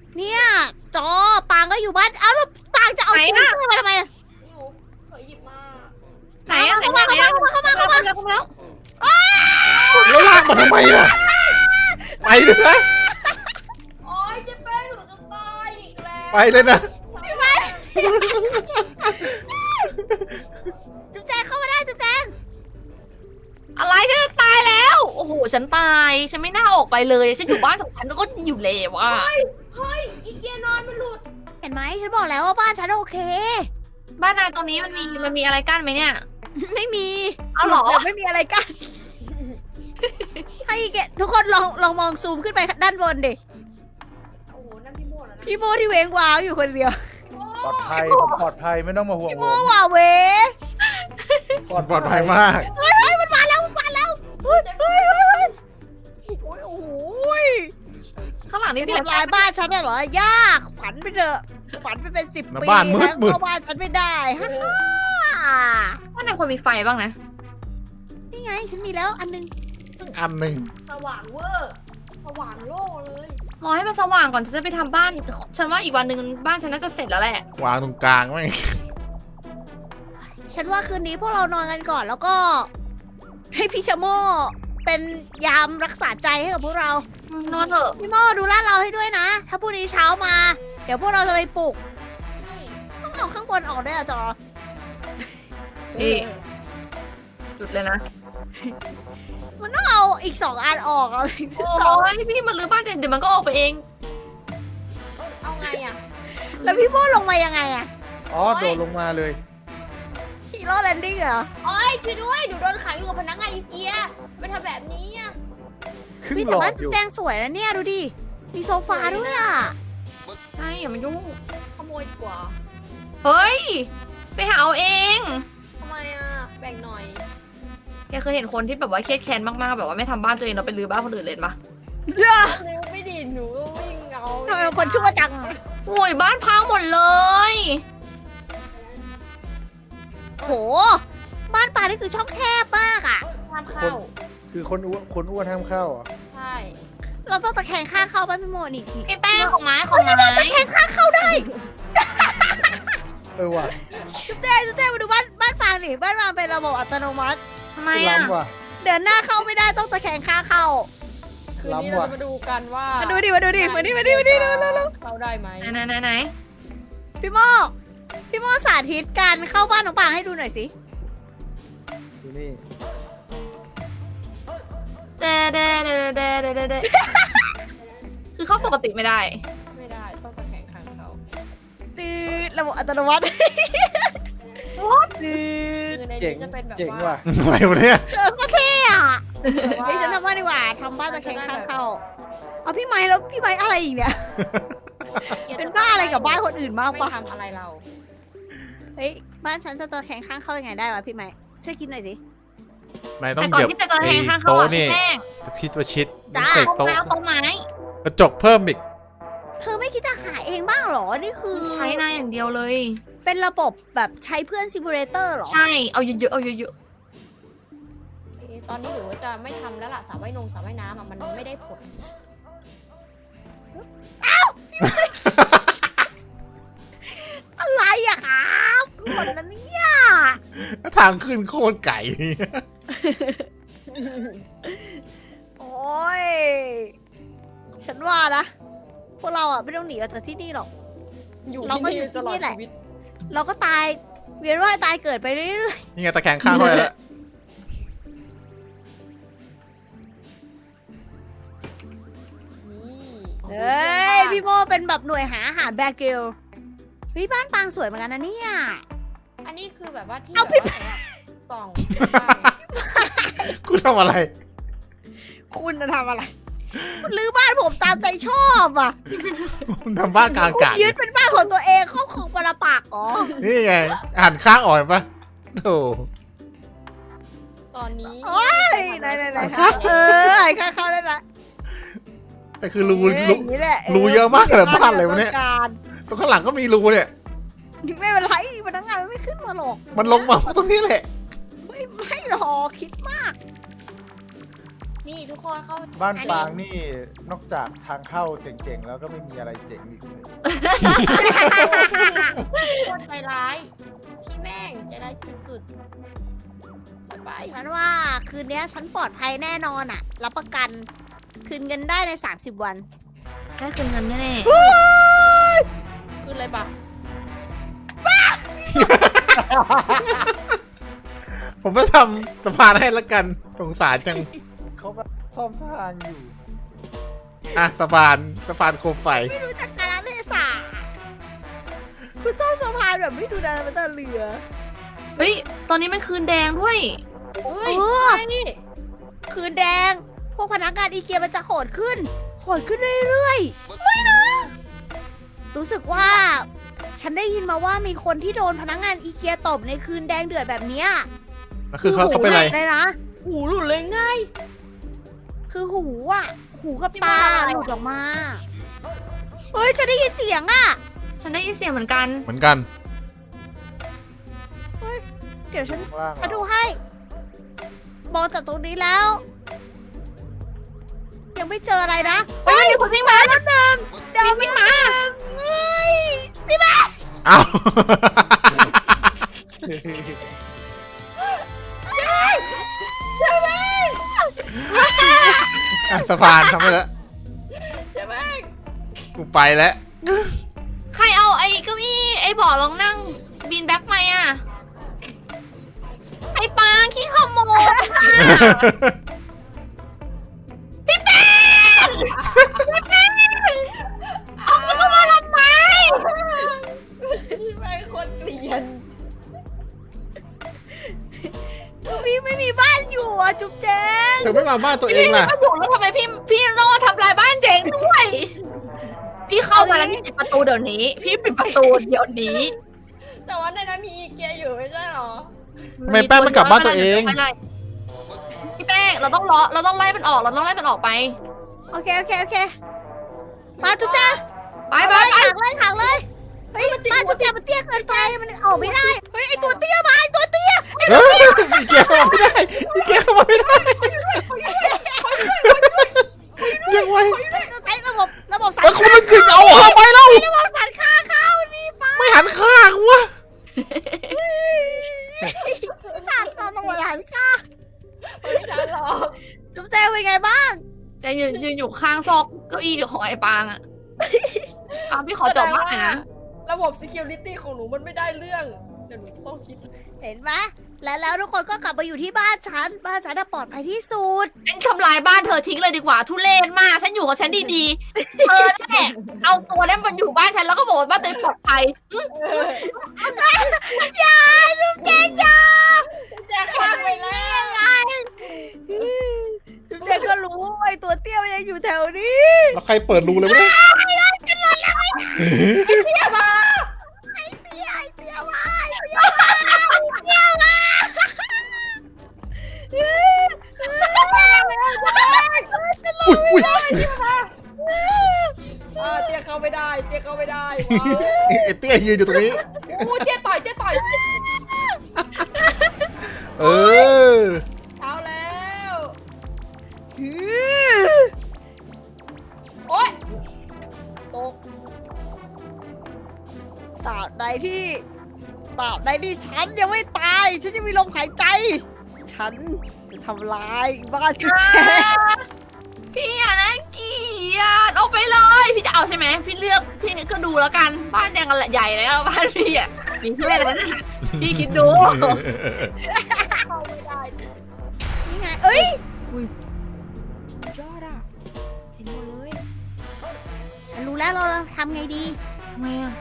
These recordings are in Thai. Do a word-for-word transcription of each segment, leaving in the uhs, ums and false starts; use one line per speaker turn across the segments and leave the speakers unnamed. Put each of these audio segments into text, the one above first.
เนี่ยจอปางก็อยู่บ้านเอ้าแล้วปางจะเอาตู้มาทำไม
หนูเผยหยิบมา
ไหนอะไหนมาไหนอะเข้ามาเข้ามาเข้ามาเข้ามาแล้ว
แล้วลากมาทำไมล่ะไปเลยนะ
โอ๊ยเจ๊แป้งหนูจะตายอีกแล้ว
ไปเลยนะ
จุ๊บแจงเข้ามาได้จุ๊บแจง
อะไรฉันจะตายแล้วโอ้โหฉันตายฉันไม่น่าออกไปเลยฉันอยู่บ้านของฉันแล้วก็อยู่แล้วว่ะ
เฮ้ยอีเกียนอนมันหลุด
เห็นไหมฉันบอกแล้วว่าบ้านฉันโอเค
บ้านนายตรงนี้มันมีมันมีอะไรกั้นไหมเนี่ย
ไม่มี
เอาเหรอ
แต่ไม่มีอะไรกันให้แกทุกคนลองลองมองซูมขึ้นไปด้านบนดิ
โอ้โหนั่นพี่โม่แล้วนะ
พี่โมที่เวงวาวอยู่คนเดียว
ปลอดภัยผมปลอดภัยไม่ต้องมาห่วง
พี่
ผ
โม
ม
ว่าเว
ปลอดภัยมาก
เฮ้ยเฮ้ยมันมาแล้วมันมาแล้วเฮ้ยเฮ้ยเฮ้ยเฮ้ยโอ้ยโอ้โหย
ข้างหลังนี่
นี่
มี
ทำ
อะไร
ลายบ้านฉันน่ะเหรอยากฝันไปเถอะฝันไปเป็นสิบปี
บ้านมืดมืด
เข้าบ้านฉันไม่ได้ฮ่าฮ่า
บ้านนายควรมีไฟบ้างนะ
นี่ไงฉันมีแล้วอันนึง
อันหนึ่ง
สว่างเวอร์สว่างโล่เลย
รอให้มันสว่างก่อนฉันจะไปทำบ้านฉันว่าอีกวันหนึ่งบ้านฉันน่าจะเสร็จแล้วแหละ
วางตรงกลางไหม
ฉันว่าคืนนี้พวกเรานอนกันก่อนแล้วก็ ให้พี่ชะโมเป็นยามรักษาใจให้กับพวกเรา
อืมนอนเถอะ
พี่โมดูลาดเราให้ด้วยนะ ถ้าพรุ่งนี้เช้ามา เดี๋ยวพวกเราจะไปปลุกต้องเอาข้างบนออกด้วยอะจอ
พี่จุดเลยนะ
มันต้องเอาอีกสองอันออกเอา
โอ้ยพี่มันรื้อบ้านเดี๋ยวมันก็ออกไปเอง
เอาไงอ่ะ
แล้วพี่โมลงมายังไงอะ
อ๋อโดดลงมาเลย
ฮีโร่แลนดิ้งเหรอ
โอ๊ยช่วยด้วยหนูโดนขังอยู่กับพนักงานอีเกียไม่ทำแบบนี้อ่ะ
ครึ่ง
พี่
หล
แต่
อ
บ้า
ด
น
อยู่
แจงสวยนะเนี่ยดูดิ มีโซฟาด้วยอะ
ใช่อย่ามายุ่ง
ขโมยดีกว่า
เฮ้ยไปหาเอาเอง
ทำไมอ่ะแบ่งหน่อย
แกเคยเห็นคนที่แบบว่าเครียดแค้นมากๆแบบว่าไม่ทำบ้านตัวเองเราไปรื้อบ้านคนอื่นเลยปะ
เด้อ
เร็วไม่ดีหนูก็วิ่งเอา
ทำไมเป็นคนชั่วจัง
โอ้ยบ้านพังหมดเลย
โห บ้านปลานี่คือช่องแคบมากอะ
ห้ามเข้า
คือคนอ้วนคนอ้วนห้ามเข้าเหรอ่ะ
ใช่
เราต้องตะแคงข้างเข้าบ้านพี่โมนี่
พี่แป้งของไม้ของไม้
ตะแคงข้างเข้าได้
เออว่ะ
จุ๊บแจงจุ๊บแจงมาดูบ้านบ้านฟางนี่บ้านฟางเป็นระบบอัตโนมัติ
ทำไมอ่ะ
ล้ำว่ะ
เดินหน้าเข้าไม่ได้ต้องตะแคงข้างเข้า
คืนนี้
ล้ำ
เรา
ว่ะ
จะมาดูกันว่า
มา
มา
ดูดิมาดูดิมาดิมาดิมาดิเร็วเร็วเร็ว
เข้าได้ไหม
ไหนไหนไหน
พี่โมพี่โมสาธิตการเข้าบ้านน้องปางให้ดูหน่อยสิ
ดูนี่
เดเดเดเดเดเดเดคือเข้าปกติไม่ได้
ไม่ได้ต้องตะแคงข้างเขา
ตืดระบบอัตโนมัติตืด
คือใน
เจ๋ง
นี้จะเป็นแบบ
เจ๋ง
ว่า
ว่ะ
อะไรวะเนี่ย
เออก็เท่อะ
แบบว่า
เฮ้ยฉันทำบ้านดีกว่าทำบ้านตะแคงข้างเข้าเอาพี่ไม้แล้วพี่ไม้อะไรอีกเนี่ย เป็นบ้าอะไรกับบ้านคนอื่นมาก
ไม่
ปะ
ทำอะไรเรา
เฮ้ยบ้านฉันจะตะแคงข้างเข้ายังไงได้วะพี่ไม้ช่วยคิดหน่อยสิ
นายต้อ
แต่
ง
ก่อ
เห
น
ยียบ
ที่จะตะแค
ไอ้
งข้างเข้า
โต๊ะ
อ่ะ
นี่
พี่แป้ง
ชิดว่าชิด
จ้า
เสก
โต๊ะ
โต๊ะ
ไม้โต๊ะไม้
กระจกเพิ่มอีก
เธอไม่คิดจะหาเองบ้างเหรอนี่คือ
ใช้นายอย่างเดียวเลย
เป็นระบบแบบใช้เพื่อนซิมูเลเตอร์เหรอ
ใช่เอาเยอะๆเอาเยอะ
เอ๊ะตอนนี้หนูว่าจะไม่ทำแล้วล่ะสระว่ายนงสระว่ายน้ำอ่ะมันไม่ได้ผล
อะไรอะครับหมดแล้วเนี่ย
ทางขึ้นโคตรไก่
โอ้ยฉันว่านะพวกเราอะไม่ต้องหนีออกจากที่นี่หรอก
อยู่
เราก็อยู่
ตลอด
ที่นี่แหละ
ชีวิต
เราก็ตายเวียนว่ายตายเกิดไปเรื่อย
นี่ไงตะแคงข้างเข้าไปแล้ว
นี่
ๆเฮ้ยพี่โมเป็นแบบหน่วยหาอาหารแบกเกลเฮ้ยบ้านปางสวยเหมือนกันนะเนี่ย
อันนี้คือแบบว่าที่
เอาพี่
แบบว่าสำหรับส่อง
กูทำอะไร
คุณจะทำอะไรคุณรื้อบ้านผมตามใจชอบอ่ะ
ทำบ้านกลางอา
คุณ
กาศ
ยึดเป็นบ้านของตัวเองครอบครองปรปักษ์อ๋อ
นี่ไงหันข้างอ่อนปะโอ้
ตอนนี้
โอ้ยไหนไหนไหนเออไอ้ข้าเข้าได้ละ
แต่คือรู
เอ้ย
รู
อย่างนี้แหละ
รูเยอะมากเลยบ้านอะไรวะเนี่ย
ต้องการ
ตรงข้างหลังก็มีรูเนี่ย
ไม่เป็นไรพนักงานมันไม่ขึ้นมาหรอก
มันลงมาตรงนี้แหละ
ไม่ไม่หรอกคิดมาก
นนี่ทุกคนเข้า
บ้านปางนี่นอกจากทางเข้าเจ๋งๆแล้วก็ไม่มีอะไรเจ๋งอีกเลย
คนใจร้ายพี่แม่งใจร้ายสุดๆไป
ฉันว่าคืนนี้ฉันปลอดภัยแน่นอนอะรับประกันคืนเงินได้ในสามสิบวัน
ได้คืนเงินแน่
ขึ้นเลยปะ
ผมจะทำสะพานให้ละกันสงสารจัง
เขาก็ซ่อมทางอยู่
อ่ะสะพานสะพานโคมไฟ
ไม่รู้จักการเทศะคุณชอบสะพานแบบไม่ดูดาราตาเรือ
ๆเฮ้ยตอนนี้มันคืนแดงด้วย
เฮ้ย
เออ
ใช่นี่
คืนแดง พวกพนักงานอีเกียมันจะโหดขึ้น โหดขึ้นเรื่อยๆไม่นะรู้สึกว่า ฉันได้ยินมาว่ามีคนที่โดนพนักงานอีเกียตบในคืนแดงเดือดแบบเนี้ย
แล้วคือเขาเขาเป็นอะไร
หูหลุดเลยนะ
หูหลุดเลยง่าย
คือหูอ่ะ หูกับ
ที่
ตา
ว่าอะไรอะ
หลุดออกมา เฮ้ยฉันได้ยินเสียงอ่ะ
ฉันได้ยินเสียงเหมือนกัน
เหมือนกัน
เดี๋ยวฉัน
ข้างล่าง
มาดูให้ มองจากตรงนี้แล้ว ยังไม่เจออะไรนะ
เฮ้ยมีคนวิ่งมา
แล้วหนึ่งเดี๋ยวไม่มาเฮ้ยพี่แม่
เอ้า อ่ะสะพานทำไปแล้ว
ใช่ไหม
กูไปแล้ว
ใครเอาไอ้เก้าอี้ไอ้เบาะรองนั่งบินแบ็คไปอ่ะ ไอ้ปางขี้ขโมยพี่แป้งพี่แป้งเอามันก็มาทำไม
พี่แม่งคนเกลียน
พี่ไม่มีบ้านอยู่อ่ะจุ๊บแจง
เธอไม่มาบ้านตัวเองล่ะ
พี่ไม่มาบุกแล้วทำไมพี่พี่โน่ทำลายบ้านเจ๋งด้วย พี่เข้ามาแล้วพี่ปิดประตูเดี๋ยวนี้ พี่ปิดประตูเดี๋ยวนี้
แต่ว่าในนั้นมีอีเกียอยู่ไม่ใช่หรอ
ทำไมแป้งไม่กลับบ้านตัวเอง
พี่แป้งเราต้องล้อเราต้องไล่มันออกเราต้องไล่มันออกไป
โอเคโอเคโอเค มาจุ๊บแจง
ไปไปไป
ขังเลยขังเลย เฮ้ยมาจุ๊บแจงมันเตี้ยเกินไปมันออกไม่ได้ เฮ้ยไอตัวเตี้ยมาไอตัวเตี้ย
เฮ้ยอีเกียเข้ามาไม่ได้อีเกียเข้ามาไม่ได้ยังไง
ใช้ระบบระบบสัน
แล้วคุณจะจิกเอาเข้าไปแล้ว
ระบบสันค่าเข้านี่ฟ้า
ไม่หันข้างวะ
สันตอนระบบสันค่า
ไม่ใช่หรอก
จุ๊บแจงเป็นไงบ้าง
จะยืนยืนอยู่ข้างซอกเก้าอี้ของไอ้ปางอะอ่ะพี่ขอจบมากหน่อยนะ
ระบบ security ของหนูมันไม่ได้เรื่อง เดี๋ยวหนูต้องคิด
เห็นไหมและแล้วทุกคนก็กลับมาอยู่ที่บ้านฉัน บ้านฉันน่ะปลอดภัยที่สุด
ฉันทำลายบ้านเธอทิ้งเลยดีกว่าทุเรศมาก ฉันอยู่กับฉันดีๆ เธอนั่นแหละเอาตัวนั้นมันอยู่บ้านฉันแล้วก็บอกว่าบ้านตัวเองปลอดภัย
อย่าจุ๊บแจงอย่า
แจกข้างไปแล้ว
จุ๊บแจงก็รู้ว่าไอตัวเตี้ยมันยังอยู่แถวนี้
แล้วใครเปิดรูเลยวะเนี่ย
เตี้ยมาไอเตี้ยไอเตี้ยมาไอเตี้ยมาไอเตี้ยมา
อุ้ยอุ้ย
อ่าเตี้ยเข้าไม่ได้ เตี้ยเข้าไม่ได้
ไอ้เตี้ยยืนอยู่ตรงนี้
อู้เตี้ยต่อย เตี้ยต่อย
เออ
เอาแล้วโอ๊ยตก
ตราบใดที่ตราบใดที่ฉันยังไม่ตาย ฉันยังมีลมหายใจ ฉันจะทำลายบ้านจุ๊บแจง
พี่อะนะเกลียดออกไปเลย พี่จะเอาใช่ไหมพี่เลือกพี่ก็ดูแล้วกัน บ้านแดงกันใหญ่แล้วบ้านพี่อะมีเพื่อนแล้วนะพี่คิดดู
เข้าไม่ได้
นี่ไง เอ้ย
อุ้ย
ยอดอ่ะ เห็นหมดเลย ฉันรู้แล้วเราทำไงดี
ทำไมอะ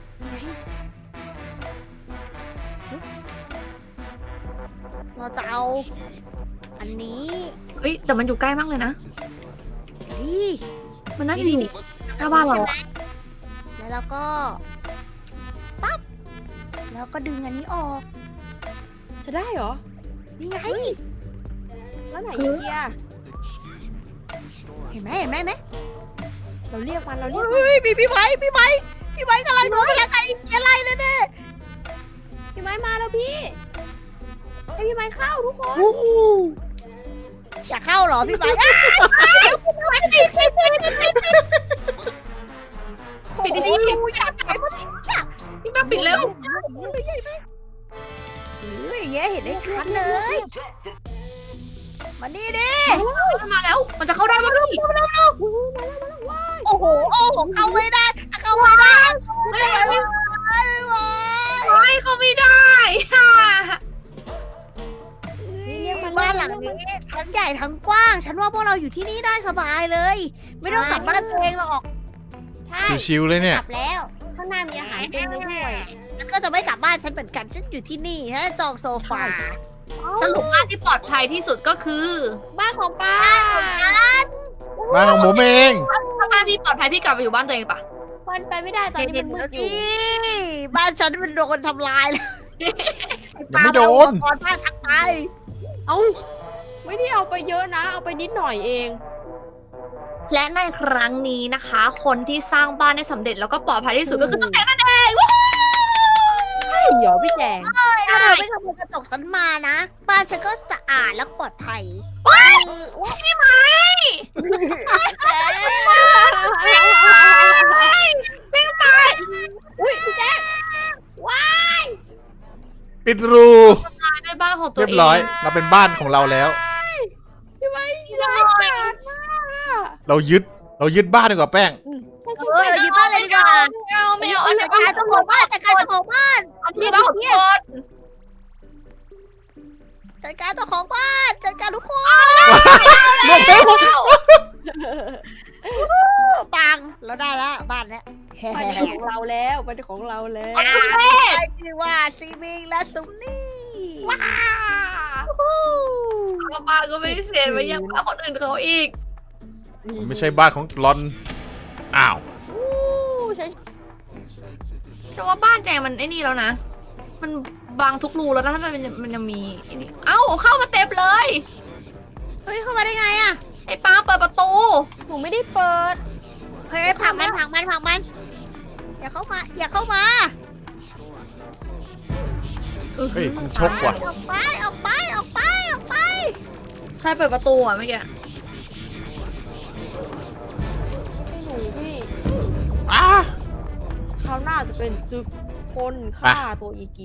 เราจะเอา อันนี้
เฮ้ยแต่มันอยู่ใกล้มากเลยนะ
นี่
มันน่าจะอยู่หน้าบ้านเรา
ใช่ไหม
อะ
แล้วเราก็ ปั๊บ แล้วก็ดึงอันนี้ออก
จะได้เหรอ
นี่ไง
แล้วไหนอีเกีย
เห็นไหมเห็นไหมเห็นไหม
เราเรียกมัน เราเรียกมัน
เฮ้ยพี่พี่ไม้พี่ไม้พี่ไม้กำลังโดนพนักงานอีกอะไรแน่ๆพี่ไม้มาแล้วพี่ให้พี่ไม้เข้าทุกคน
อู้หู
อยากเข้าเหรอพี่ไม้
ปิดดีๆอยากไปพี่มาปิดเร็ว
หรืออย่างเงี้ยเห็นได้ชัดเลย มานี่ดิ
มาแล้ว มันจะเข้าได้ไหมพี่
โอ้โห โอ้โห เข้าไม่ได้ เข้าไม่ได้
ไม่ไหวไม่
ไม่ไหว
ไหวเขาไม่ได้ค่ะ
บ้านหลังนี้ทั้งใหญ่ทั้งกว้าง ฉันว่าพวกเราอยู่ที่นี่ได้สบายเลย ไม่ต้องกลับบ้านตัวเองหรอก
ใช่
ชิวๆเลยเนี่ย
กลับแล้ว ข้างหน้ามีอาหารเต็มเลยด้วย
ฉันก็จะไม่กลับบ้านฉันเหมือนกัน ฉันอยู่ที่นี่ฉันจองโซฟา
สรุปว่าที่ปลอดภัยที่สุดก็คือ
บ้านของป้า
บ้านของผมเอง
ถ้าบ้านพี่ปลอดภัยพี่กลับไปอยู่บ้านตัวเองปะ
มันไปไม่ได้ตอนนี้
เห็
มัน นมื
แล้ว
ดอยู่
นี่บ้านฉันมันโดนทำลายแล้ว
ยังไม่โดน
ก่อนบ้านทักไป
เอ้า ไม่ได้เอาไปเยอะนะ เอาไปนิดหน่อยเอง
และในครั้งนี้นะคะ คนที่สร้างบ้านได้สำเร็จแล้วก็ปลอดภัยที่สุดก็คือตุ๊กแกนั่นเอง
ใช่เหรอพี่แจง
ถ้าเธอไม่ขโมยกระจกฉันมานะ บ้านฉันก็สะอาดและปลอดภัย
พี่ไม้แม่งตาย
อุ้ยพี่แจง
ปิดรู
ตายด้วยบ้านของตัว
เรี
เอย ง
บร้อย เราเป็นบ้านของเราแล้ว
พี่ไม้
พี่ไม้
เรายึด เรายึดบ้านดีกว่าแป้ง
เออเรายึดบ้านเลยดีกว่า
ไม่เอาไม่เอาอันนี้
จัดการเจ้าของบ้านจัดการเจ้าของบ้าน
อันนี้บ้านของคน
จัดการเจ้าของบ้านจัดการทุกคน
ลงแล้ว
ปังเราได้แล้วบ้านเนี้ย
มันเป็นของเราแล้วมันเป็นของเราแล้ว
ไอ้ที่ว่าซีมิงและซุมนี่ว้า
ป้าก็ไม่เสียไปยังบ้านคนอื่นเขาอีก
มันไม่ใช่บ้านของลอน อ้าว
อู้ใช่
แต่ว่าบ้านแจงมันไอ้นี่แล้วนะ มันบางทุกรูแล้วนะถ้ามันมันยังมีไอ้นี่เอ้าเข้ามาเต็มเลย
เฮ้ยเข้ามาได้ไงอะ
ไอ้ปางเปิดประตู
หนูไม่ได้เปิด
เฮ้ยผลักมันผลักมันผลักมัน อย่าเข้ามา อย่าเข้ามา
เฮ้ยมันชกว่ะ
ออกไปออกไปออกไปออกไป
ใครเปิดประตูอ่ะเมื่อกี้
ให้หนูพี่
อ้า
คราวหน้าจะเป็นศึกคนฆ่าตัวอีกี